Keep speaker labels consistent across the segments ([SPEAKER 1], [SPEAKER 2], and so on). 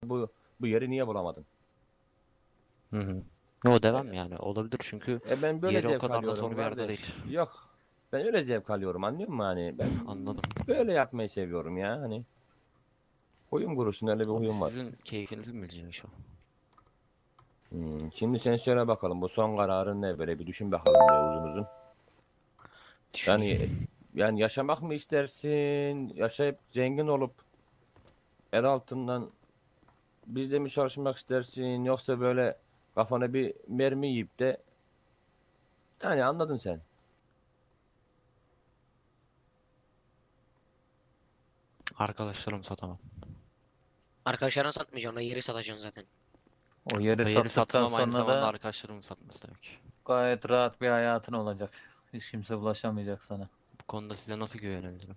[SPEAKER 1] bu yeri niye bulamadın?
[SPEAKER 2] Hı hı. O devam
[SPEAKER 1] E,
[SPEAKER 2] yani olabilir çünkü
[SPEAKER 1] ben böyle
[SPEAKER 2] yeri o
[SPEAKER 1] zevk
[SPEAKER 2] kadar da
[SPEAKER 1] alıyorum
[SPEAKER 2] zor bir yerde değil.
[SPEAKER 1] kardeş. Yok. Ben öyle zevk alıyorum, anlıyor musun hani? Ben
[SPEAKER 2] Anladım.
[SPEAKER 1] böyle yapmayı seviyorum ya hani. Huyum kurusun, öyle bir
[SPEAKER 2] Abi
[SPEAKER 1] huyum var.
[SPEAKER 2] sizin keyfinizi mi bileceksin şu an?
[SPEAKER 1] Şimdi sen söyle bakalım, bu son kararın ne, böyle bir düşün bakalım diye uzun uzun. Yani
[SPEAKER 2] Düşüneyim.
[SPEAKER 1] yani yaşamak mı istersin? Yaşayıp zengin olup el altından bizde mi çalışmak istersin? Yoksa böyle kafana bir mermi yiyip de, yani anladın sen.
[SPEAKER 2] Arkadaşlarımı satamam.
[SPEAKER 3] Arkadaşlarına satmayacaksın. O yeri satacaksın zaten.
[SPEAKER 4] O yeri
[SPEAKER 2] O yeri
[SPEAKER 4] sattıktan
[SPEAKER 2] satmam aynı
[SPEAKER 4] sonra
[SPEAKER 2] zamanda
[SPEAKER 4] da
[SPEAKER 2] arkadaşlarımı satması demek.
[SPEAKER 4] gayet rahat bir hayatın olacak. Hiç kimse bulaşamayacak sana.
[SPEAKER 2] Bu konuda size nasıl güvenebilirim?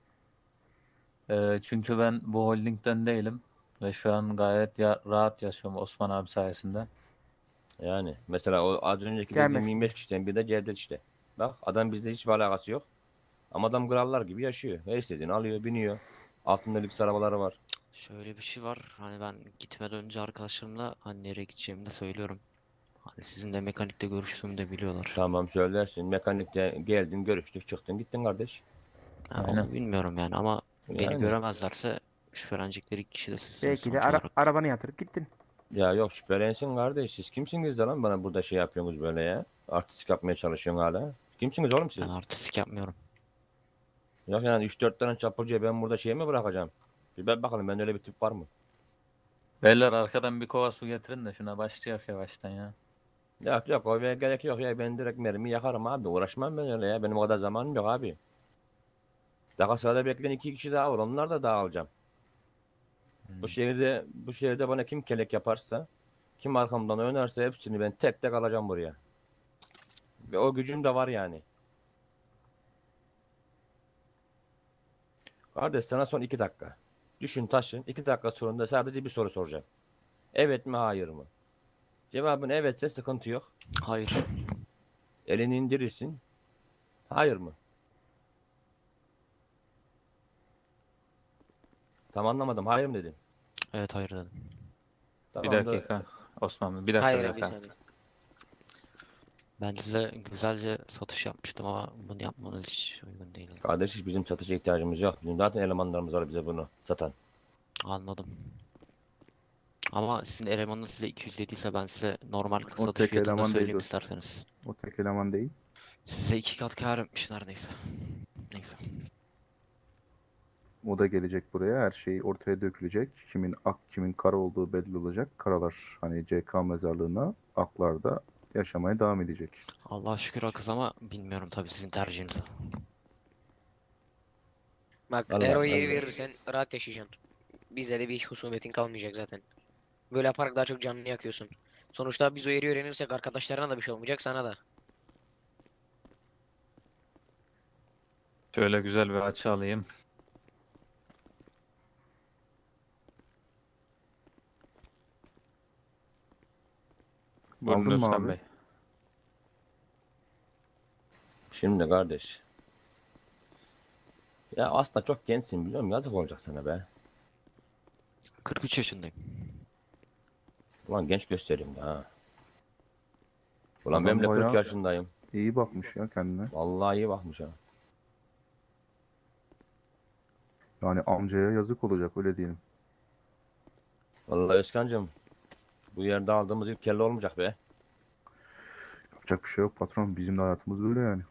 [SPEAKER 4] Çünkü ben bu holdingden değilim. Ve şu an gayet rahat yaşıyorum Osman abi sayesinde.
[SPEAKER 1] Yani mesela o az önceki
[SPEAKER 5] Gelme
[SPEAKER 1] dediğim
[SPEAKER 5] şimdi.
[SPEAKER 1] 25 kişiden bir de Cevdet işte. Bak, adam bizde hiçbir alakası yok. Ama adam krallar gibi yaşıyor. Her istediğini alıyor, biniyor. Altında lüks arabaları var.
[SPEAKER 2] Şöyle bir şey var. Hani ben gitmeden önce arkadaşlarımla hani nereye gideceğimi de söylüyorum. Hani sizin de mekanikte görüştüğümü de biliyorlar.
[SPEAKER 1] Tamam, söylersin. Mekanikte geldin, görüştük, çıktın, gittin kardeş.
[SPEAKER 2] Ha,
[SPEAKER 4] Aynen.
[SPEAKER 2] onu bilmiyorum yani ama beni
[SPEAKER 1] Yani
[SPEAKER 2] göremezlerse şüphelenecekleri kişi de sizsiniz
[SPEAKER 5] Belki de
[SPEAKER 2] sonuç olarak.
[SPEAKER 5] arabanı yatırıp gittin.
[SPEAKER 1] ya yok, şüphelensin kardeş. Siz kimsiniz de lan bana burada şey yapıyorsunuz böyle ya? Artistik yapmaya çalışıyorsun hala. Kimsiniz oğlum
[SPEAKER 2] Ben
[SPEAKER 1] siz?
[SPEAKER 2] artistik yapmıyorum.
[SPEAKER 1] Yok yani 3-4 tane çapulcuya ben burada şey mi bırakacağım? Bir bak bakalım, ben öyle bir tip var mı?
[SPEAKER 4] Beyler arkadan bir kova su getirin de şuna başlayak yavaştan ya.
[SPEAKER 1] Yok yok, o gerek yok ya, ben direkt mermi yakarım abi, uğraşmam ben öyle ya, benim o kadar zamanım yok abi. Daha sırada bekleyen 2 kişi daha var, onlar da dağılacağım.
[SPEAKER 4] Hmm.
[SPEAKER 1] Bu şehirde bana kim kelek yaparsa, kim arkamdan oynarsa hepsini ben tek tek alacağım buraya. Ve o gücüm de var yani. Kardeş, sana son 2 dakika. Düşün taşın, 2 dakika sonunda sadece bir soru soracağım. Evet mi, hayır mı? Cevabın evetse sıkıntı yok.
[SPEAKER 2] Hayır.
[SPEAKER 1] Elini indirirsin. Hayır mı? Tam anlamadım. Hayır mı dedin?
[SPEAKER 2] Evet hayır dedim.
[SPEAKER 4] Bir
[SPEAKER 1] Tamamdır.
[SPEAKER 4] dakika Osman Bey, bir dakika bir
[SPEAKER 3] Hayır bir
[SPEAKER 4] dakika.
[SPEAKER 3] saniye.
[SPEAKER 2] Ben size güzelce satış yapmıştım ama bunu yapmanız hiç uygun değil.
[SPEAKER 1] Kardeş, hiç bizim satışa ihtiyacımız yok. Bizim zaten elemanlarımız var bize bunu satan.
[SPEAKER 2] Anladım. Ama sizin elemanınız size 200 dediyse ben size normal
[SPEAKER 6] O
[SPEAKER 2] satış
[SPEAKER 6] tek
[SPEAKER 2] fiyatını da
[SPEAKER 6] eleman değil
[SPEAKER 2] söyleyeyim
[SPEAKER 6] dostum.
[SPEAKER 2] isterseniz.
[SPEAKER 6] O tek eleman değil.
[SPEAKER 2] Size 2 kat kâr etmiş neredeyse. Neyse.
[SPEAKER 6] O da gelecek buraya. Her şey ortaya dökülecek. Kimin ak kimin kara olduğu belli olacak. Karalar hani CK mezarlığına, aklar da yaşamaya devam edecek.
[SPEAKER 2] Allah'a şükür akız ama bilmiyorum tabii sizin tercihinizi.
[SPEAKER 3] Bak eğer o
[SPEAKER 1] Vallahi
[SPEAKER 3] yeri verirsen rahat yaşayacaksın. Bizde de bir husumetin kalmayacak zaten. Böyle yaparak daha çok canını yakıyorsun. Sonuçta biz o yeri öğrenirsek arkadaşlarına da bir şey olmayacak, sana da.
[SPEAKER 4] Şöyle güzel bir açı alayım. Buyurun
[SPEAKER 6] Aldın mı
[SPEAKER 4] Özkan
[SPEAKER 6] abi?
[SPEAKER 4] Bey.
[SPEAKER 1] şimdi kardeş. Ya aslında çok gençsin, biliyor musun? Yazık olacak sana be.
[SPEAKER 2] 43 yaşındayım.
[SPEAKER 1] Ulan genç göstereyim de ha. Ulan ben
[SPEAKER 6] Adam
[SPEAKER 1] bile 40
[SPEAKER 6] bayağı
[SPEAKER 1] yaşındayım.
[SPEAKER 6] iyi bakmış ya kendine.
[SPEAKER 1] Vallahi iyi bakmış ha.
[SPEAKER 6] Yani amcaya yazık olacak, öyle diyelim.
[SPEAKER 1] Vallahi Özkan'cığım, bu yerde aldığımız ilk kelle olmayacak be.
[SPEAKER 6] Yapacak bir şey yok patron. Bizim de hayatımız böyle yani.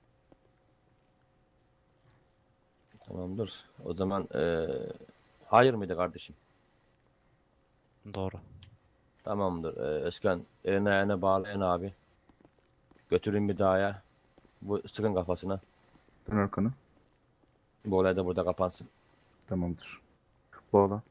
[SPEAKER 1] Tamamdır. O zaman hayır mıydı kardeşim?
[SPEAKER 2] Doğru.
[SPEAKER 1] Tamamdır. Özkan, eline ayağına bağlayın abi. Götürün bir dağa. Bu sıkın kafasına.
[SPEAKER 6] Dön arkanı.
[SPEAKER 1] Bu olay da burada kapansın.
[SPEAKER 6] Tamamdır. Bağla.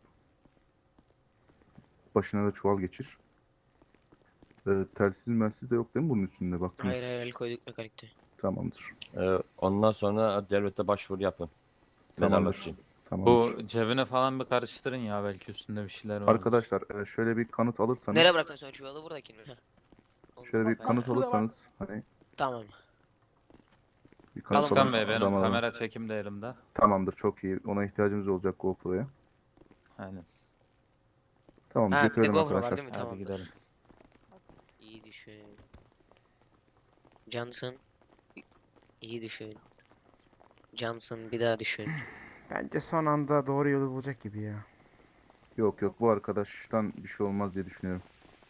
[SPEAKER 6] Başına da çuval geçir. Telsiz melsiz de yok değil mi bunun üstünde? Baktınız.
[SPEAKER 3] Hayır hayır el koyduk mekanikte.
[SPEAKER 6] Tamamdır.
[SPEAKER 1] Ondan sonra devlete başvuru yapın. Mezarlık
[SPEAKER 6] Tamamdır.
[SPEAKER 1] için.
[SPEAKER 6] Tamamdır.
[SPEAKER 4] Bu cebine falan bir karıştırın ya, belki üstünde bir şeyler vardır.
[SPEAKER 6] Arkadaşlar şöyle bir kanıt
[SPEAKER 3] Nereye
[SPEAKER 6] alırsanız,
[SPEAKER 3] bıraktın sen çuvalı, buradakini mi? Heh. Oldu.
[SPEAKER 6] şöyle bir
[SPEAKER 3] Bayağı.
[SPEAKER 6] kanıt alırsanız hani
[SPEAKER 3] Tamam.
[SPEAKER 6] bir
[SPEAKER 3] Alın
[SPEAKER 6] kanıt
[SPEAKER 4] Özkan
[SPEAKER 6] alın
[SPEAKER 4] Bey,
[SPEAKER 3] bakalım.
[SPEAKER 4] benim
[SPEAKER 6] adama.
[SPEAKER 4] kamera çekim de elimde.
[SPEAKER 6] Tamamdır, çok iyi. Ona ihtiyacımız olacak GoPro'ya.
[SPEAKER 4] Aynen.
[SPEAKER 6] Tamam,
[SPEAKER 3] Ha bir de
[SPEAKER 6] götürelim
[SPEAKER 3] GoPro var
[SPEAKER 6] arkadaşlar.
[SPEAKER 3] değil mi?
[SPEAKER 4] Hadi
[SPEAKER 3] Tamam.
[SPEAKER 4] gidelim.
[SPEAKER 3] İyi düşün. Johnson. İyi düşün. Johnson bir daha düşün.
[SPEAKER 5] Bence son anda doğru yolu bulacak gibi ya.
[SPEAKER 6] Yok yok, bu arkadaştan bir şey olmaz diye düşünüyorum.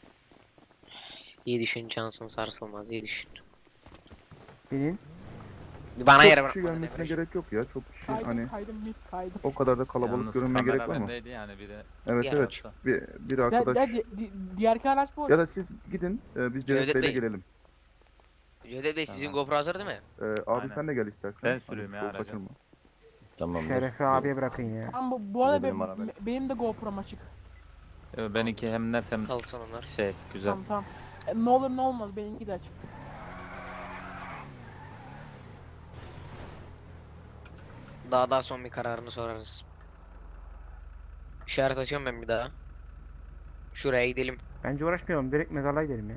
[SPEAKER 3] İyi düşün Johnson sarsılmaz. İyi düşün.
[SPEAKER 5] Binin.
[SPEAKER 3] Bir bana
[SPEAKER 6] Çok
[SPEAKER 3] yere
[SPEAKER 6] kişi
[SPEAKER 3] bırak.
[SPEAKER 6] gelmesine gerek yok ya. Çok kişi
[SPEAKER 7] Kaydım
[SPEAKER 6] hani
[SPEAKER 7] kaydım mid kaydım.
[SPEAKER 6] o kadar da kalabalık
[SPEAKER 4] Yalnız
[SPEAKER 6] görünmeye gerek
[SPEAKER 4] kamera
[SPEAKER 6] var mı?
[SPEAKER 4] bendeydi yani biri.
[SPEAKER 6] Evet
[SPEAKER 3] Ya.
[SPEAKER 6] evet. Bir arkadaş
[SPEAKER 7] Diğer araç bu.
[SPEAKER 6] ya da siz gidin, biz Cevdet
[SPEAKER 3] Cevdet
[SPEAKER 6] Bey'le
[SPEAKER 3] Bey.
[SPEAKER 6] gelelim.
[SPEAKER 3] Cevdet Bey sizin
[SPEAKER 4] Tamam.
[SPEAKER 3] GoPro hazır değil mi?
[SPEAKER 6] Abi
[SPEAKER 4] Aynen.
[SPEAKER 6] sen de gel istersen.
[SPEAKER 4] Ben
[SPEAKER 6] Hani
[SPEAKER 4] süreyim ya
[SPEAKER 6] çok
[SPEAKER 4] aracı.
[SPEAKER 6] kaçırma.
[SPEAKER 1] Tamamdır.
[SPEAKER 5] Şerefi abiye bırakın ya.
[SPEAKER 7] Ama bu arada
[SPEAKER 1] benim arabam.
[SPEAKER 7] benim de GoPro'm açık.
[SPEAKER 4] Benimki hem net hem
[SPEAKER 3] Kalsın onlar.
[SPEAKER 4] şey güzel.
[SPEAKER 7] Tamam tamam. Ne olur ne olmaz benimki de açık.
[SPEAKER 3] Daha son bir kararını sorarız. İşaret açıyorum ben bir daha. Şuraya gidelim.
[SPEAKER 5] Bence uğraşmayalım. Direkt mezarlığa gidelim ya.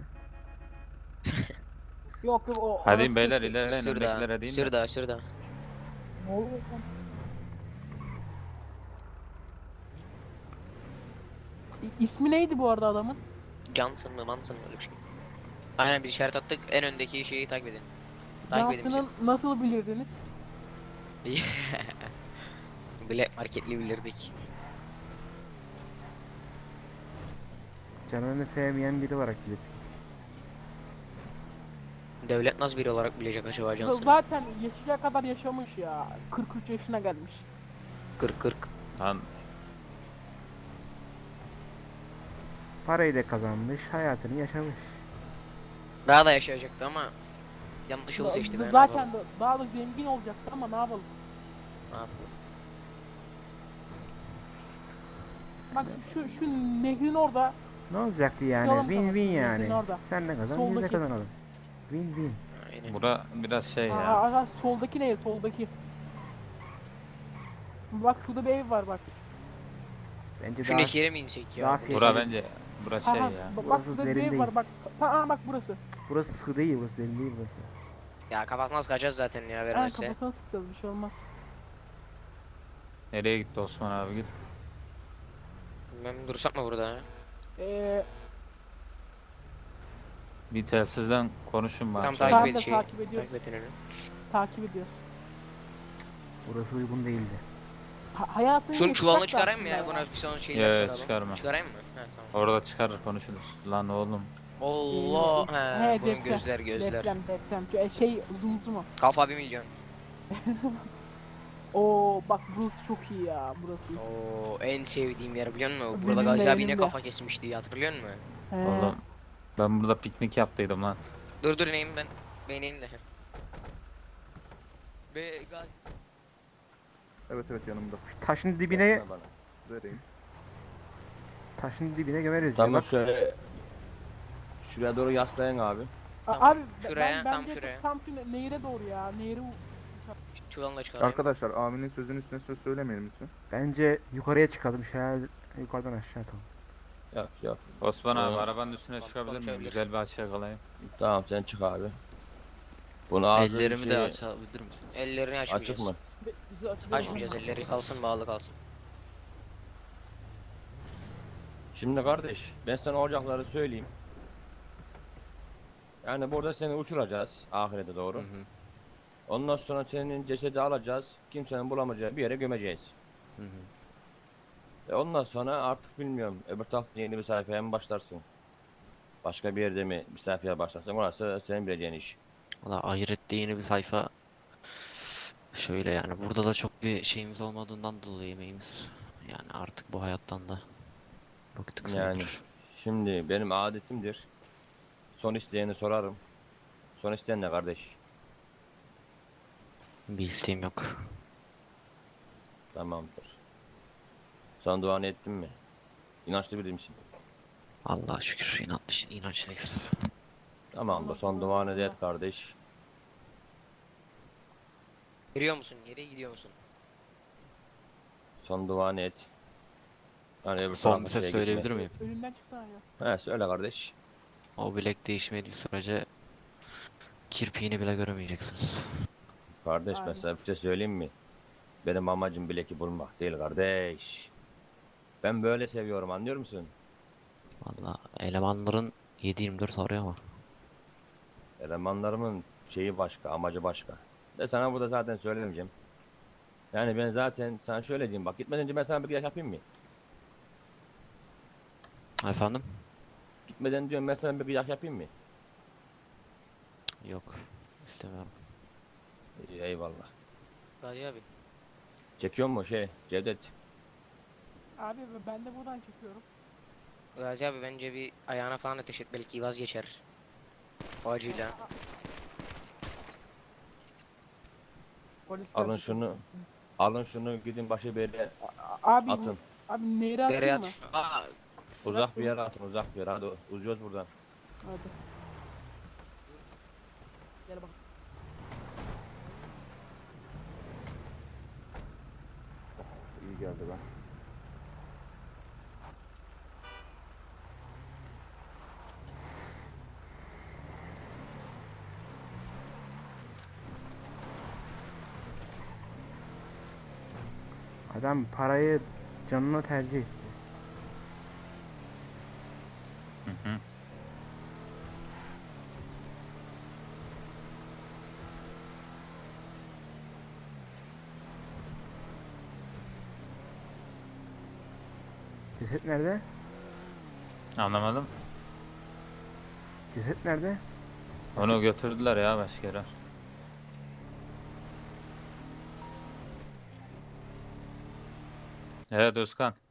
[SPEAKER 7] Yok yok o.
[SPEAKER 4] Hadi
[SPEAKER 7] orası
[SPEAKER 4] beyler
[SPEAKER 7] kötü.
[SPEAKER 4] ilerleyin
[SPEAKER 3] Şurada.
[SPEAKER 4] öndekilere değil mi?
[SPEAKER 3] Şurada.
[SPEAKER 7] Ne oluyor lan? İsmi neydi bu arada adamın?
[SPEAKER 3] Johnson mı Manson mı öyle bir şey. Aynen bir işaret attık. En öndeki şeyi takip edin. Takip edin
[SPEAKER 7] Johnson'ın nasıl bilirdiniz?
[SPEAKER 3] bizi. Black marketli bilirdik.
[SPEAKER 5] Canını sevmeyen biri olarak gidip.
[SPEAKER 3] Devlet nasıl biri olarak bilecek acaba Johnson'ı?
[SPEAKER 7] Zaten yaşayacağı kadar yaşamış ya. 43 yaşına gelmiş.
[SPEAKER 3] 40.
[SPEAKER 4] Lan
[SPEAKER 5] Parayı da kazanmış. Hayatını yaşamış.
[SPEAKER 3] Daha da yaşayacaktı ama yanlış yolu seçti. ben ne
[SPEAKER 7] Zaten
[SPEAKER 3] yapalım?
[SPEAKER 7] daha da zengin olacaktı ama ne yapalım?
[SPEAKER 3] Ne yapalım?
[SPEAKER 7] Bak şu nehrin orada
[SPEAKER 5] Ne olacaktı yani?
[SPEAKER 7] Sıkalım
[SPEAKER 5] Win win
[SPEAKER 7] kafasını,
[SPEAKER 5] yani.
[SPEAKER 7] nehrin orada.
[SPEAKER 5] Sen de kazan, biz de
[SPEAKER 7] Soldaki.
[SPEAKER 5] kazanalım. Win win.
[SPEAKER 3] Aynen.
[SPEAKER 4] bura biraz şey ya.
[SPEAKER 7] aa, soldaki nehir soldaki. Bak şurada bir ev var bak.
[SPEAKER 5] Bence
[SPEAKER 3] Şu
[SPEAKER 5] daha
[SPEAKER 3] nehire mi insek ya?
[SPEAKER 5] daha
[SPEAKER 3] Bu
[SPEAKER 5] fiyat-
[SPEAKER 4] Bura
[SPEAKER 3] nehir-
[SPEAKER 4] bence bura
[SPEAKER 7] Ha,
[SPEAKER 4] şey
[SPEAKER 7] ha,
[SPEAKER 4] ya.
[SPEAKER 7] bak
[SPEAKER 5] Burası
[SPEAKER 7] şurada bir
[SPEAKER 5] derin
[SPEAKER 7] ev
[SPEAKER 5] değil.
[SPEAKER 7] var bak. Bak burası.
[SPEAKER 5] burası sıkı değil, burası derin değil burası.
[SPEAKER 3] Ya kafasına sıkacağız zaten ya
[SPEAKER 7] Ha,
[SPEAKER 3] vermezse.
[SPEAKER 7] kafasına sıkacağız bir şey olmaz.
[SPEAKER 4] Nereye gitti Osman abi git.
[SPEAKER 3] Ben dursak mı burada ya?
[SPEAKER 4] Bir telsizden konuşun bari.
[SPEAKER 3] Tam
[SPEAKER 4] Şey-
[SPEAKER 3] takip
[SPEAKER 7] Ben de
[SPEAKER 3] et şeyi.
[SPEAKER 7] takip ediyoruz.
[SPEAKER 3] Takip et önünü.
[SPEAKER 7] Takip ediyoruz.
[SPEAKER 5] Burası uygun değildi.
[SPEAKER 7] Hayatını
[SPEAKER 3] Şunun çuvalını
[SPEAKER 7] yaşamak da
[SPEAKER 3] çıkarayım mı ya?
[SPEAKER 7] aslında
[SPEAKER 3] Buna bir son şeyler
[SPEAKER 4] Ya,
[SPEAKER 3] soralım.
[SPEAKER 4] çıkarma.
[SPEAKER 3] Çıkarayım mı? He tamam.
[SPEAKER 4] Orada çıkarır konuşuruz. Lan oğlum.
[SPEAKER 3] Allah he, bunun
[SPEAKER 7] deprem,
[SPEAKER 3] gözler.
[SPEAKER 7] Deprem. Şey uzun mu?
[SPEAKER 3] Kafa 1 milyon.
[SPEAKER 7] Oo bak burası çok iyi ya burası.
[SPEAKER 3] Oo en sevdiğim yer biliyor musun?
[SPEAKER 7] Benim
[SPEAKER 3] Burada
[SPEAKER 7] de,
[SPEAKER 3] Gazi abi
[SPEAKER 7] benim
[SPEAKER 3] yine
[SPEAKER 7] de.
[SPEAKER 3] kafa kesmişti hatırlıyor musun?
[SPEAKER 7] He.
[SPEAKER 4] Oğlum. Ben burada piknik yaptıydım lan.
[SPEAKER 3] Dur ineyim ben. Ben ineyim de. Ve Gazi
[SPEAKER 6] Evet evet, yanımda.
[SPEAKER 5] Taşın dibine,
[SPEAKER 1] Versene bana.
[SPEAKER 6] Vereyim.
[SPEAKER 5] taşın dibine gömeriz ya.
[SPEAKER 1] Tamam
[SPEAKER 5] Bak
[SPEAKER 1] şöyle. Şuraya doğru yaslayın abi.
[SPEAKER 3] Tamam,
[SPEAKER 7] Abi
[SPEAKER 3] şuraya, tam
[SPEAKER 7] bence
[SPEAKER 3] şuraya.
[SPEAKER 7] tam şu nehire doğru ya. Nehire
[SPEAKER 3] çuvalını da çıkarayım.
[SPEAKER 6] Arkadaşlar, aminin sözünün üstüne söz söylemeyelim lütfen.
[SPEAKER 5] bence yukarıya çıkalım. Şöyle yukarıdan aşağı atalım.
[SPEAKER 1] Yok.
[SPEAKER 4] Osman abi
[SPEAKER 1] Tamam.
[SPEAKER 4] arabanın üstüne
[SPEAKER 3] Tamam,
[SPEAKER 4] çıkabilir miyim?
[SPEAKER 3] konuşabilir.
[SPEAKER 4] Güzel bir açıya kalayım.
[SPEAKER 1] Tamam sen çık abi. Bunu ağzı
[SPEAKER 2] Ellerimi de
[SPEAKER 1] şey-
[SPEAKER 2] açabilir misiniz?
[SPEAKER 3] Ellerini açmayacağız.
[SPEAKER 1] Açık mı?
[SPEAKER 7] bizi
[SPEAKER 3] Açmayacağız elleri kalsın bağlı kalsın.
[SPEAKER 1] Şimdi kardeş ben sana olacakları söyleyeyim. Yani burada seni uçuracağız ahirete doğru.
[SPEAKER 2] Hı hı.
[SPEAKER 1] Ondan sonra senin cesedi alacağız. Kimsenin bulamayacağı bir yere gömeceğiz.
[SPEAKER 2] Hı hı.
[SPEAKER 1] Ondan sonra artık bilmiyorum. Öbür tarafta yeni bir sayfaya mı başlarsın? Başka bir yerde mi bir sayfaya başlarsın? Orası senin bileceğin iş.
[SPEAKER 2] Valla ahirette yeni bir sayfa. Şöyle yani burada da çok bir şeyimiz olmadığından dolayı yemeğimiz. Yani artık bu hayattan da bıktık
[SPEAKER 1] Yani.
[SPEAKER 2] sayılır.
[SPEAKER 1] Şimdi benim adetimdir. Son isteyeni sorarım. Son isteyen ne kardeş?
[SPEAKER 2] Bir isteğim yok.
[SPEAKER 1] Tamamdır. Son duanı ettin mi? İnançlı biri misin?
[SPEAKER 2] Allah'a şükür inançlıyız.
[SPEAKER 1] Tamamdır. Son duanı da et kardeş.
[SPEAKER 3] Giriyor musun? Nereye gidiyor musun?
[SPEAKER 1] Son duanı et. Yani öbür
[SPEAKER 2] Son
[SPEAKER 1] tarafa
[SPEAKER 2] bir ses
[SPEAKER 1] şeye
[SPEAKER 2] söyleyebilir
[SPEAKER 1] gitme.
[SPEAKER 2] miyim?
[SPEAKER 7] Önünden çıksana ya.
[SPEAKER 1] He söyle kardeş.
[SPEAKER 2] O bilek değişmediği sürece kirpiğini bile göremeyeceksiniz.
[SPEAKER 1] Kardeş ben
[SPEAKER 7] Aynen.
[SPEAKER 1] sana bir şey söyleyeyim mi? Benim amacım bileki bulmak değil kardeş. Ben böyle seviyorum anlıyor musun?
[SPEAKER 2] Valla elemanların 7/24 arıyor ama.
[SPEAKER 1] Elemanlarımın şeyi başka, amacı başka. De sana burada zaten söylemeyeceğim. Yani ben zaten sana şöyle diyeyim bak, gitmeden önce ben sana bir kıyak yapayım mı?
[SPEAKER 2] Efendim?
[SPEAKER 1] Gitmeden diyorum ben sana bir kıyak yapayım mı?
[SPEAKER 2] Yok. İstemiyorum.
[SPEAKER 1] İyi, eyvallah.
[SPEAKER 3] Gazi abi.
[SPEAKER 1] Çekiyor mu şey Cevdet?
[SPEAKER 7] Abi ben de buradan çekiyorum.
[SPEAKER 3] Gazi abi bence bir ayağına falan ateş et, belki vazgeçer. O acıyla.
[SPEAKER 7] Polisler
[SPEAKER 1] Alın
[SPEAKER 7] çekiyor.
[SPEAKER 1] şunu. Alın şunu gidin başı bir yere
[SPEAKER 7] Abi,
[SPEAKER 1] atın.
[SPEAKER 7] abi nehre
[SPEAKER 3] Dereye
[SPEAKER 7] atayım mı?
[SPEAKER 3] at. Aa,
[SPEAKER 1] Uzak bir yere atın, uzak bir yere. Hadi uzuyoruz buradan.
[SPEAKER 7] Hadi. Gel bak.
[SPEAKER 6] İyi geldi ben.
[SPEAKER 5] Adam parayı canına tercih etti.
[SPEAKER 4] Hı hı.
[SPEAKER 5] Ceset nerede?
[SPEAKER 4] Anlamadım.
[SPEAKER 5] Ceset nerede?
[SPEAKER 4] Onu götürdüler ya başka yere. Evet Özkan.